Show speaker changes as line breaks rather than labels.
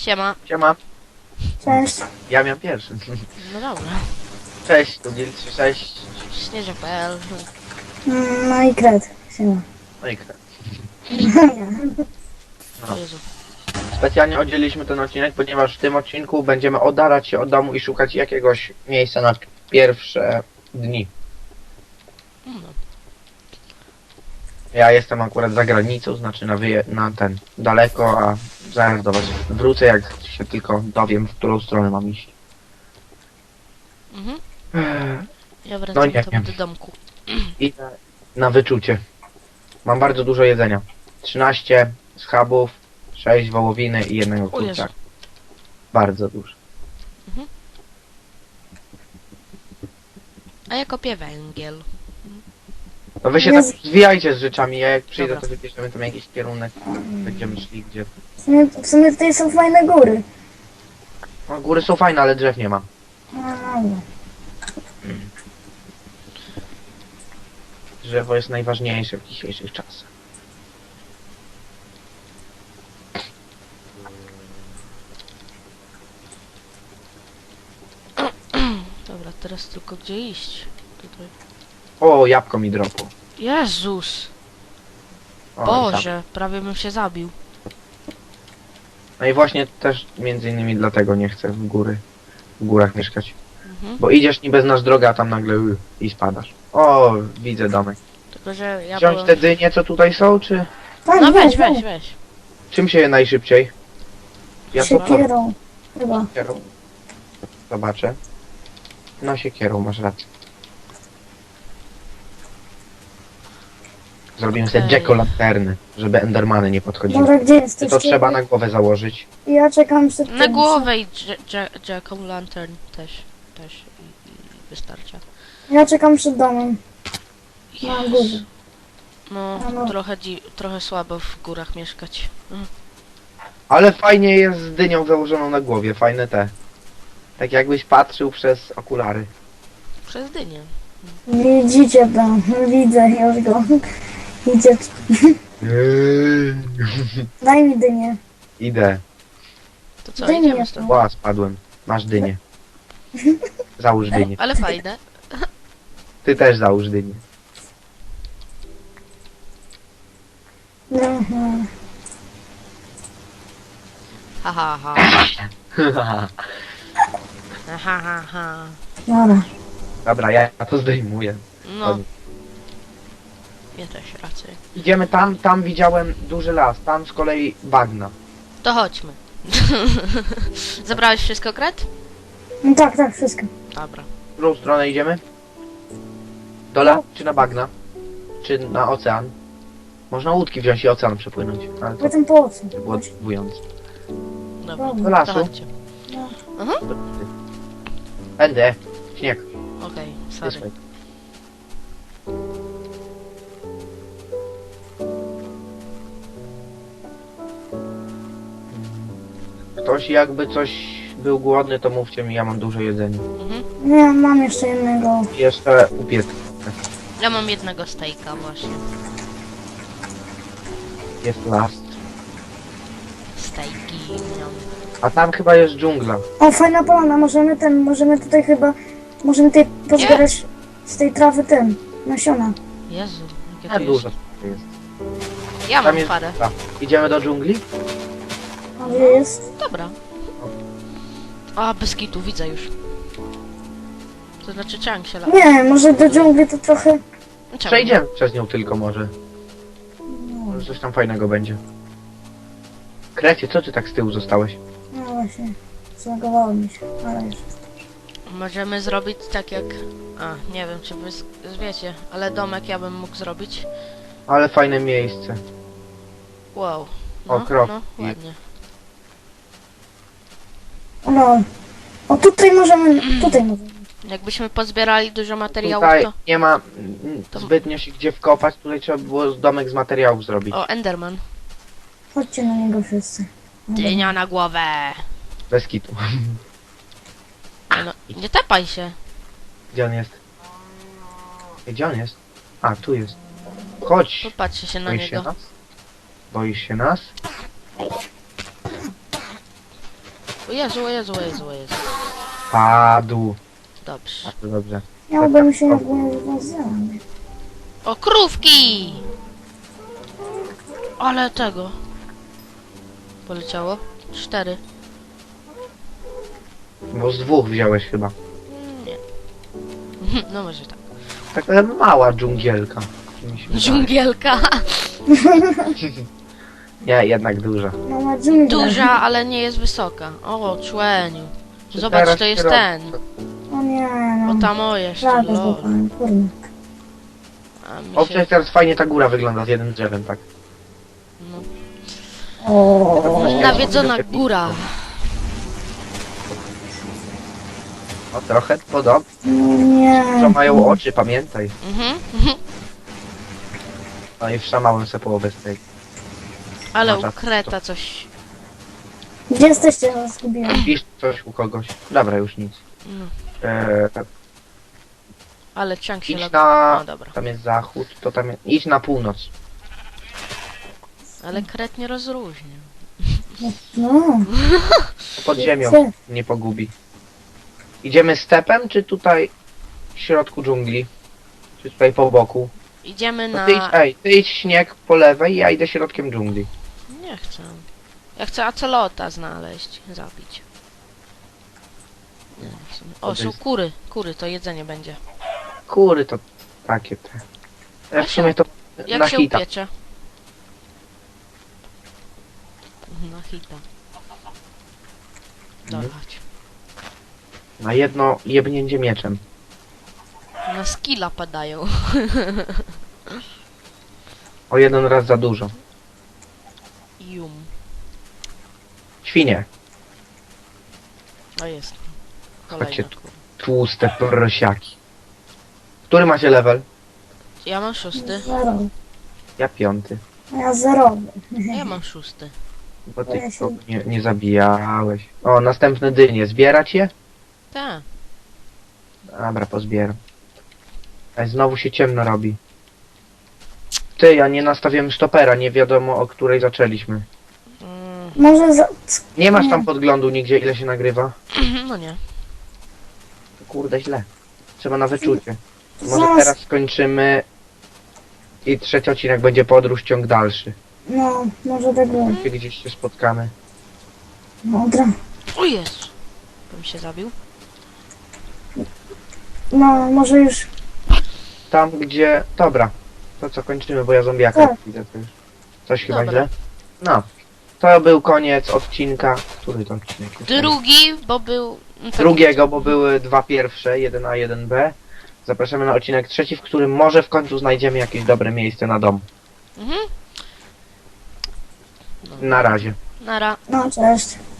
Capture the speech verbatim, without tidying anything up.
Siema.
Siema.
Cześć.
Ja miałem pierwszy.
No dobra.
Cześć, tu Gil trzydzieści sześć.
Śnieżek kropka p l.
Mm, No i kred. Siema.
No i kre.
O Jezu.
Specjalnie oddzieliliśmy ten odcinek, ponieważ w tym odcinku będziemy oddalać się od domu i szukać jakiegoś miejsca na pierwsze dni.
No.
Ja jestem akurat za granicą, znaczy na, wyje na ten daleko, a zaraz do was wrócę, jak się tylko dowiem, w którą stronę mam iść.
Mhm.
Eee,
Ja
No
wracam
nie
tam
wiem.
do domku.
Idę na wyczucie. Mam bardzo dużo jedzenia. trzynaście schabów, sześć wołowiny i jednego
O Jezu.
kurczaka. Bardzo dużo.
A ja kopię węgiel.
No wy się
Jezu.
tak zwijajcie z rzeczami, ja jak przyjdę,
Dobra.
to wybierzemy tam jakiś kierunek. Będziemy szli gdzie.
W sumie, w sumie tutaj są fajne góry.
No, góry są fajne, ale drzew nie ma.
No, no.
Drzewo jest najważniejsze w dzisiejszych czasach.
Dobra, teraz tylko gdzie iść? Tutaj.
O, jabłko mi dropło.
Jezus!
O, i
Boże, prawie bym się zabił.
tam. No i właśnie też między innymi dlatego nie chcę w góry, w górach mieszkać.
Mhm.
Bo idziesz niby znasz drogę, a tam nagle y, i spadasz. O, widzę domek.
Tylko, że ja
Wziąć
byłem...
te dynie, co tutaj są, czy
Tak,
No weź, weź, weź.
czym się je najszybciej? Ja to
Siekierą. Chyba.
siekierą. Zobaczę. No siekierą, masz rację. Zrobimy sobie
Okej.
jack-o'-lanterny, żeby endermany nie podchodziły.
Dobra, gdzie jesteś?
To trzeba na głowę założyć.
Ja czekam przed
Na
tym.
głowę i Jack o' Lantern też. Też i, i wystarcza.
Ja czekam przed domem. Na
Jezu.
górze.
No,
A no.
trochę, dzi- trochę słabo w górach mieszkać. Mhm.
Ale fajnie jest z dynią założoną na głowie, fajne te. Tak jakbyś patrzył przez okulary.
Przez dynię.
Widzicie to. Widzę już go. Idzie. Daj mi dynię.
Idę.
To co,
Dynię
idziemy
to.
stąd?
Ła, spadłem. Masz dynię. Załóż dynię.
Ale fajne.
Ty też załóż dynię.
No, no.
Ha ha ha. Ha ha ha ha.
Dobra.
Dobra, ja to zdejmuję.
No, ja też raczej.
Idziemy tam, tam widziałem duży las, tam z kolei bagna.
To chodźmy. Zabrałeś wszystko, Kret?
No tak, tak, wszystko.
Dobra.
W którą stronę idziemy? Do las czy na bagna? Czy na ocean? Można łódki wziąć i ocean przepłynąć, ale to
Potem po co?
by było denerwujące.
Dobra,
Do
Do lasu?
to chodźcie. Aha,
Będę. Śnieg.
okej,
This
sorry.
way. Ktoś jakby coś był głodny, to mówcie mi, ja mam dużo jedzenia.
Mhm.
Nie, mam jeszcze jednego.
I jeszcze upiec.
Ja mam jednego stejka właśnie.
Jest last.
Stejki miał.
A tam chyba jest dżungla.
O, fajna polana, możemy ten, możemy tutaj chyba, możemy tutaj pozbierać z tej trawy ten, nasiona.
Jezu, jakie
A
to
dużo
jest.
jest.
Ja
Tam
mam
jest
parę.
dżungla. Idziemy do dżungli?
A gdzie jest?
Dobra. A, bez kitu, widzę już. To znaczy Chang się lata.
Nie, może do dżungli to trochę...
Czemu?
Przejdziemy przez nią tylko może. Może coś tam fajnego będzie. Krecie, co ty tak z tyłu zostałeś?
No właśnie, zlagowało mi się, ale już.
Możemy zrobić tak jak... A, nie wiem czy wy z- wiecie, ale domek ja bym mógł zrobić.
Ale fajne miejsce.
Wow.
O,
No,
krok.
no, ładnie.
No. O, tutaj możemy, tutaj możemy.
Jakbyśmy pozbierali dużo materiałów,
Tutaj
to...
nie ma mm,
to-
zbytnio się gdzie wkopać, tutaj trzeba było domek z materiałów zrobić.
O, Enderman.
Chodźcie na niego wszyscy.
Dynia na głowę.
Bez kitu.
Nie, no, nie tepaj się.
Gdzie on jest? Gdzie on jest? A, tu jest. Chodź!
Popatrzcie się na
Boisz się
niego.
nas? Boisz się nas?
O Jezu, o Jezu, o Jezu, o Jezu.
Padł.
Dobrze.
Bardzo dobrze.
Miałbym się jakby rozwiązać.
O, krówki! Ale tego. Poleciało? Cztery.
Bo z dwóch wziąłeś chyba.
Nie. No może tak.
Taka mała dżungielka. mi się wydaje.
Dżungielka.
Nie, jednak duża.
Mała dżungla.
Duża, ale nie jest wysoka. O, człeniu.
Czy
Zobacz,
teraz
to jest
się robi?
ten.
O nie,
O,
no.
tam o jeszcze,
Prawie
lol.
złapałem, kurde.
A mi
O,
się...
przecież teraz fajnie ta góra wygląda z jednym drzewem, tak.
No.
O,
Nawiedzona góra.
O, trochę podobnie.
no nie.
Co mają oczy, pamiętaj.
Mhm.
No i wszamałem se połowę z tej.
Ale
Masz rację.
ukreta coś.
Gdzie jesteście? Ja was zgubiłem.
Pisz coś u kogoś. Dobra, już nic.
No.
Eee,
Ale ciąg się
idź
lag...
na...
O, dobra.
Tam jest zachód, to tam jest... Idź na północ.
Ale kret nie rozróżnia.
No.
Pod ziemią
Gdzie?
nie pogubi. Idziemy stepem, czy tutaj w środku dżungli? Czy tutaj po boku?
Idziemy
No
na...
ty idź, ej, ty idź śnieg po lewej, ja idę środkiem dżungli.
Nie chcę. Ja chcę acelota znaleźć, zabić. Nie, w sumie- O,
To
są
jest-
kury. Kury, to jedzenie będzie.
Kury to takie te.
A
Ja w sumie to
Jak
na
się
hita.
upiecze? Na hita. Dobra,
Mhm.
chodź.
Na jedno jebnięcie mieczem.
Na skilla padają.
O jeden raz za dużo.
Jum.
Świnie.
O, jest.
Chodźcie
Kolejna
tu.
kura.
Tłuste prosiaki. Który macie level?
Ja mam szósty.
Zero.
Ja piąty.
A ja zerowy.
Ja mam szósty.
Bo
Ja
ty
się-
kogo nie, nie zabijałeś. O, następne dynie. Zbierać je?
Tak.
Dobra, pozbieram. Ej, znowu się ciemno robi. Ty, ja nie nastawiłem stopera, nie wiadomo o której zaczęliśmy.
Mm,
Może za...
Nie masz tam
Nie.
podglądu nigdzie, ile się nagrywa?
no nie.
Kurde, źle. Trzeba na wyczucie. Może
Zaraz.
teraz skończymy i trzeci odcinek będzie podróż, ciąg dalszy.
No, może tak było.
Gdzie gdzieś się spotkamy.
Dobra.
O Jezu. Bym się zabił.
No, może już...
Tam gdzie... Dobra. To co kończymy, bo ja zombiaka
Tak.
widzę to już. Coś chyba
Dobra.
źle? No. To był koniec odcinka. Który to odcinek jest?
Drugi, bo był... no tak-
Drugiego, bo były dwa pierwsze, jeden A, jeden B. Zapraszamy na odcinek trzeci, w którym może w końcu znajdziemy jakieś dobre miejsce na dom.
Mhm.
Na razie.
Nara.
No, cześć.